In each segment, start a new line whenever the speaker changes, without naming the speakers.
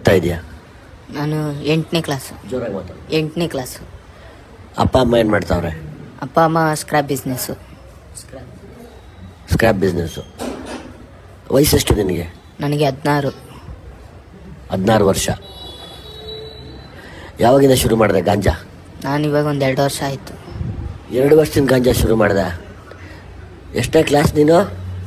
ಓದ್ತಾ ಇದೆಯಾ?
ನಾನು 8ನೇ ಕ್ಲಾಸು.
ಜೋರಾಗಿ ಮಾತಾಡು.
8ನೇ ಕ್ಲಾಸು.
ಅಪ್ಪ ಅಮ್ಮ ಏನು ಮಾಡ್ತಾವ್ರೆ?
ಅಪ್ಪ ಅಮ್ಮ ಸ್ಕ್ರಾಪ್ ಬಿಸ್ನೆಸ್ಸು.
Scrap business. ವಯಸ್ಸೆಷ್ಟು ನಿನಗೆ?
ನನಗೆ 16.
16 ವರ್ಷ. ಯಾವಾಗಿಂದ ಶುರು ಮಾಡಿದೆ ಗಾಂಜಾ?
ನಾನು ಇವಾಗ ಒಂದು 2 ವರ್ಷ ಆಯಿತು.
2 ವರ್ಷದಿಂದ ಗಾಂಜಾ ಶುರು ಮಾಡಿದೆ. ಎಷ್ಟನೇ ಕ್ಲಾಸ್ ನೀನು?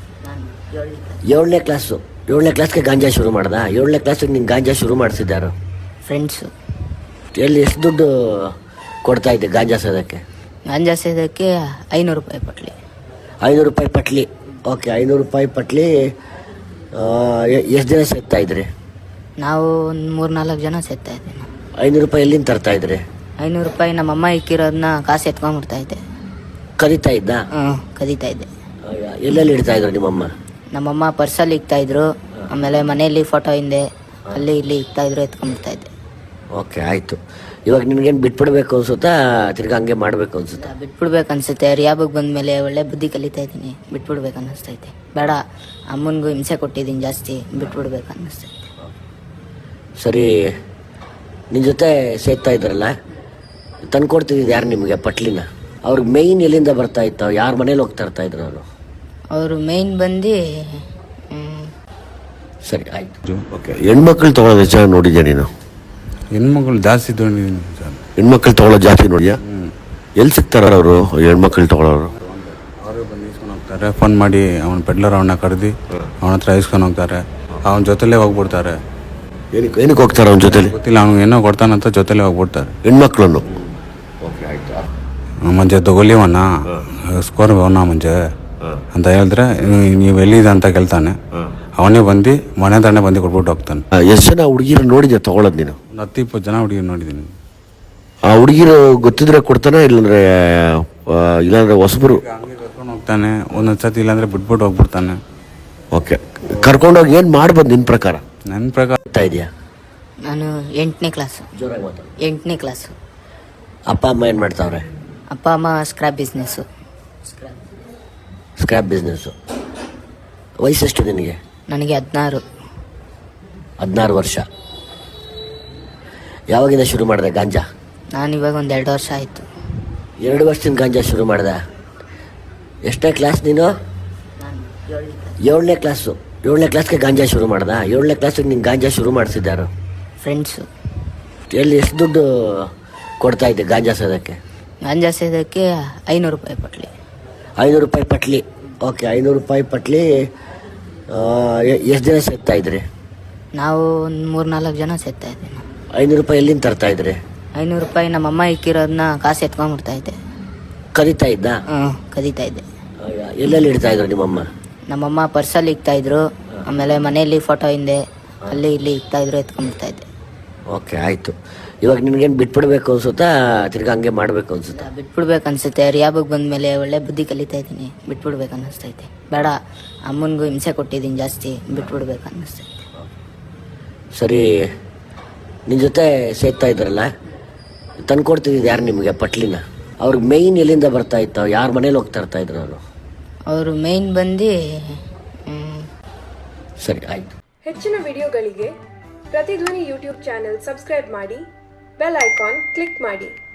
7ನೇ ಕ್ಲಾಸು. 7ನೇ ಕ್ಲಾಸ್ಗೆ ಗಾಂಜಾ ಶುರು ಮಾಡ್ದ? 7ನೇ ಕ್ಲಾಸಿಗೆ ನೀನು ಗಾಂಜಾ ಶುರು ಮಾಡಿಸಿದ್ದಾರು?
ಫ್ರೆಂಡ್ಸು.
ಎಲ್ಲಿ ಎಷ್ಟು ದುಡ್ಡು ಕೊಡ್ತಾ ಇದ್ದೆ ಗಾಂಜಾ ಸೇದಕ್ಕೆ?
ಗಾಂಜಾ ಸೇದಕ್ಕೆ 500 ರೂಪಾಯಿ ಪಟ್ಲಿ.
500 ರೂಪಾಯಿ ಪಟ್ಲಿ. ಓಕೆ, 500 ರೂಪಾಯಿ ಪಟ್ಲಿ. ಎಷ್ಟು ಜನ ಸೇರ್ತಾ ಇದ್ರಿ?
ನಾವು ಒಂದು 3-4 ಜನ ಸೇರ್ತಾ ಇದ್ದೀವಿ.
500 ರೂಪಾಯಿ ಎಲ್ಲಿಂದ ತರ್ತಾ ಇದ್ರಿ?
500 ರೂಪಾಯಿ ನಮ್ಮಮ್ಮ ಇಕ್ಕಿರೋದನ್ನ ಕಾಸು ಎತ್ಕೊಂಡ್ಬಿಡ್ತಾ ಇದ್ದೆ.
ಕದೀತಾ ಇದ್ದ?
ಕದೀತಾ ಇದ್ದೆ.
ಎಲ್ಲೆಲ್ಲಿ ಇಡ್ತಾ ಇದ್ರು ನಿಮ್ಮಮ್ಮ?
ನಮ್ಮಮ್ಮ ಪರ್ಸಲ್ಲಿ ಇಕ್ತಾಯಿದ್ರು, ಆಮೇಲೆ ಮನೆಯಲ್ಲಿ ಫೋಟೋ ಹಿಂದೆ ಅಲ್ಲಿ ಇಲ್ಲಿ ಇಕ್ತಾಯಿದ್ರು, ಎತ್ಕೊಂಡ್ಬಿಡ್ತಾ ಇದ್ದೆ.
ಓಕೆ, ಆಯಿತು. ಇವಾಗ ನಿನಗೇನು ಬಿಟ್ಬಿಡ್ಬೇಕು ಅನ್ಸುತ್ತಾ, ತಿರ್ಗಿ ಹಂಗೆ ಮಾಡಬೇಕು ಅನ್ಸುತ್ತಾ?
ಬಿಟ್ಬಿಡ್ಬೇಕು ಅನ್ಸುತ್ತೆ. ರಿಯಾಬಿಗೆ ಬಂದಮೇಲೆ ಒಳ್ಳೆ ಬುದ್ಧಿ ಕಲಿತಾ ಇದ್ದೀನಿ. ಬಿಟ್ಬಿಡ್ಬೇಕು ಅನ್ನಿಸ್ತೈತೆ. ಬೇಡ, ಅಮ್ಮನಿಗೂ ಹಿಂಸೆ ಕೊಟ್ಟಿದ್ದೀನಿ ಜಾಸ್ತಿ, ಬಿಟ್ಬಿಡ್ಬೇಕು ಅನ್ನಿಸ್ತೈತೆ.
ಸರಿ, ನಿನ್ನ ಜೊತೆ ಸೇರ್ತಾ ಇದ್ರಲ್ಲ, ತಂದ್ಕೊಡ್ತಿದ್ದು ಯಾರು ನಿಮಗೆ ಪಟ್ಲಿನ? ಅವ್ರಿಗೆ ಮೇಯ್ನ್ ಎಲ್ಲಿಂದ ಬರ್ತಾ ಇತ್ತು? ಯಾರ ಮನೇಲಿ ಹೋಗ್ತಾ ಇರ್ತಾ ಇದ್ರು ಅವರು?
ಅವರು ಮೇಯ್ನ್ ಬಂದು
ಸರಿ, ಆಯಿತು. ಓಕೆ, ಹೆಣ್ಮಕ್ಳು ತೊಗೊಳೋದು ಹೆಚ್ಚಾಗಿ ನೋಡಿದ್ಯಾ ನೀನು?
ಹೆಣ್ಮಕ್ಳು ಜಾಸ್ತಿ ತೊಗೊಂಡಿದ್ದೀನಿ ಸರ್.
ಹೆಣ್ಮಕ್ಳು ತೊಗೊಳೋದು ಜಾಸ್ತಿ ನೋಡಿಯಾ? ಎಲ್ಲಿ ಸಿಗ್ತಾರ ಅವರು ಹೆಣ್ಮಕ್ಳು ತೊಗೊಳೋರು?
ಅವರು ಬಂದು ಇಸ್ಕೊಂಡು ಹೋಗ್ತಾರೆ. ಫೋನ್ ಮಾಡಿ ಅವನ ಪೆಡ್ಲರ್ ಅವನ್ನ ಕರೆದು ಅವನ ಹತ್ರ ಇಸ್ಕೊಂಡು ಹೋಗ್ತಾರೆ. ಅವನ ಜೊತೆಲೇ ಹೋಗ್ಬಿಡ್ತಾರೆ.
ಏನಕ್ಕೆ ಹೋಗ್ತಾರೆ ಅವನ ಜೊತೆಲಿ?
ಗೊತ್ತಿಲ್ಲ, ಅವ್ನಿಗೆ ಏನೋ ಕೊಡ್ತಾನಂತ ಜೊತೆಲೇ ಹೋಗ್ಬಿಡ್ತಾರೆ
ಹೆಣ್ಮಕ್ಳನ್ನು.
ಮಂಜೆ ತಗೊಲಿವನ್ನ ಸ್ಕೋರ್ ಅವನ ಮಂಜೆ ಅಂತ ಹೇಳಿದ್ರೆ, ನೀವು ಎಲ್ಲಿದೆ ಅಂತ ಕೇಳ್ತಾನೆ. ಅವನೇ ಬಂದು ಮನೆ ತಾನೇ ಬಂದು ಕೊಟ್ಬಿಟ್ಟು ಹೋಗ್ತಾನೆ.
ಎಷ್ಟು ಜನ ಹುಡುಗಿರು ನೋಡಿದ್ಯಾ ತೊಗೊಳೋದು ನೀನು?
ಒಂದು 10-20 ಜನ ಹುಡುಗಿ ನೋಡಿದ್ದೀನಿ.
ಆ ಹುಡುಗಿರು ಗೊತ್ತಿದ್ರೆ ಕೊಡ್ತಾನೆ, ಇಲ್ಲಾಂದ್ರೆ ಹೊಸಬರು
ಹಂಗೆ ಕರ್ಕೊಂಡು ಹೋಗ್ತಾನೆ. ಒಂದೊಂದು ಸತಿ ಇಲ್ಲಾಂದ್ರೆ ಬಿಟ್ಬಿಟ್ಟು ಹೋಗ್ಬಿಡ್ತಾನೆ.
ಓಕೆ, ಕರ್ಕೊಂಡೋಗಿ ಏನು ಮಾಡ್ಬೋದು ನಿನ್ನ ಪ್ರಕಾರ?
ನನ್ನ ಪ್ರಕಾರ
ಇದೆಯಾ?
ನಾನು 8ನೇ ಕ್ಲಾಸು.
ಜೋರಾಗಿ ಮಾತಾಡು.
8ನೇ ಕ್ಲಾಸು.
ಅಪ್ಪ ಅಮ್ಮ ಏನು ಮಾಡ್ತಾವ್ರೆ?
ಅಪ್ಪ ಅಮ್ಮ ಸ್ಕ್ರಾಪ್ ಬಿಸ್ನೆಸ್ಸು.
Scrap business. ವಯಸ್ಸೆಷ್ಟು ನಿನಗೆ?
ನನಗೆ 16.
16 ವರ್ಷ. ಯಾವಾಗಿಂದ ಶುರು ಮಾಡಿದೆ ಗಾಂಜಾ?
ನಾನು ಇವಾಗ ಒಂದು 2 ವರ್ಷ ಆಯಿತು.
2 ವರ್ಷದಿಂದ ಗಾಂಜಾ ಶುರು ಮಾಡಿದೆ. ಎಷ್ಟನೇ ಕ್ಲಾಸ್ ನೀನು? 7ನೇ ಕ್ಲಾಸು. 7ನೇ ಕ್ಲಾಸ್ಗೆ ಗಾಂಜಾ ಶುರು ಮಾಡ್ದ? 7ನೇ ಕ್ಲಾಸಿಗೆ ನೀನು ಗಾಂಜಾ ಶುರು ಮಾಡಿಸಿದ್ದಾರು?
ಫ್ರೆಂಡ್ಸು.
ಎಲ್ಲಿ ಎಷ್ಟು ದುಡ್ಡು ಕೊಡ್ತಾ ಇದ್ದೆ ಗಾಂಜಾ ಸೇದಕ್ಕೆ?
ಗಾಂಜಾ ಸೇದಕ್ಕೆ 500 ರೂಪಾಯಿ ಪಟ್ಲಿ.
500 ರೂಪಾಯಿ ಪಟ್ಲಿ. ಓಕೆ, 500 ರೂಪಾಯಿ ಪಟ್ಲಿ. ಎಷ್ಟು ಜನ ಸೇರ್ತಾ ಇದ್ರಿ?
ನಾವು ಒಂದು 3-4 ಜನ ಸೇರ್ತಾ ಇದ್ದೀವಿ.
500 ರೂಪಾಯಿ ಎಲ್ಲಿಂದ ತರ್ತಾ ಇದ್ರಿ?
500 ರೂಪಾಯಿ ನಮ್ಮಮ್ಮ ಇಕ್ಕಿರೋದನ್ನ ಕಾಸು ಎತ್ಕೊಂಡ್ಬಿಡ್ತಾ ಇದ್ದೆ.
ಕದೀತಾ ಇದ್ದ?
ಕದೀತಾ ಇದ್ದೆ.
ಎಲ್ಲೆಲ್ಲಿ ಇಡ್ತಾ ಇದ್ರು ನಿಮ್ಮಮ್ಮ?
ನಮ್ಮಮ್ಮ ಪರ್ಸಲ್ಲಿ ಇಕ್ತಾಯಿದ್ರು, ಆಮೇಲೆ ಮನೆಯಲ್ಲಿ ಫೋಟೋ ಹಿಂದೆ ಅಲ್ಲಿ ಇಲ್ಲಿ ಇಕ್ತಾಯಿದ್ರು, ಎತ್ಕೊಂಡ್ಬಿಡ್ತಾ ಇದ್ದೆ.
ಓಕೆ, ಆಯಿತು. ಇವಾಗ ನಿನಗೇನು ಬಿಟ್ಬಿಡ್ಬೇಕು ಅನ್ಸುತ್ತಾ, ತಿರ್ಗಿ ಹಂಗೆ ಮಾಡಬೇಕು ಅನ್ಸುತ್ತಾ?
ಬಿಟ್ಬಿಡ್ಬೇಕು ಅನ್ಸುತ್ತೆ. ರಿಯಾಬಿಗೆ ಬಂದಮೇಲೆ ಒಳ್ಳೆ ಬುದ್ಧಿ ಕಲಿತಾ ಇದ್ದೀನಿ. ಬಿಟ್ಬಿಡ್ಬೇಕು ಅನ್ನಿಸ್ತೈತೆ. ಬೇಡ, ಅಮ್ಮನಿಗೂ ಹಿಂಸೆ ಕೊಟ್ಟಿದ್ದೀನಿ ಜಾಸ್ತಿ, ಬಿಟ್ಬಿಡ್ಬೇಕು ಅನ್ನಿಸ್ತೈತೆ.
ಸರಿ, ನಿನ್ನ ಜೊತೆ ಸೇರ್ತಾ ಇದ್ರಲ್ಲ, ತಂದ್ಕೊಡ್ತಿದ್ದು ಯಾರು ನಿಮಗೆ ಪಟ್ಲಿನ? ಅವ್ರಿಗೆ ಮೇಯ್ನ್ ಎಲ್ಲಿಂದ ಬರ್ತಾ ಇತ್ತು? ಯಾರ ಮನೇಲಿ ಹೋಗ್ತಾ ಇರ್ತಾ ಇದ್ರು ಅವರು?
ಅವರು ಮೇಯ್ನ್ ಬಂದು
ಸರಿ, ಆಯಿತು.
ಹೆಚ್ಚಿನ ವಿಡಿಯೋಗಳಿಗೆ ಪ್ರತಿಧ್ವನಿ ಯೂಟ್ಯೂಬ್ ಚಾನೆಲ್ ಸಬ್ಸ್ಕ್ರೈಬ್ ಮಾಡಿ, ಬೆಲ್ ಐಕಾನ್ ಕ್ಲಿಕ್ ಮಾಡಿ.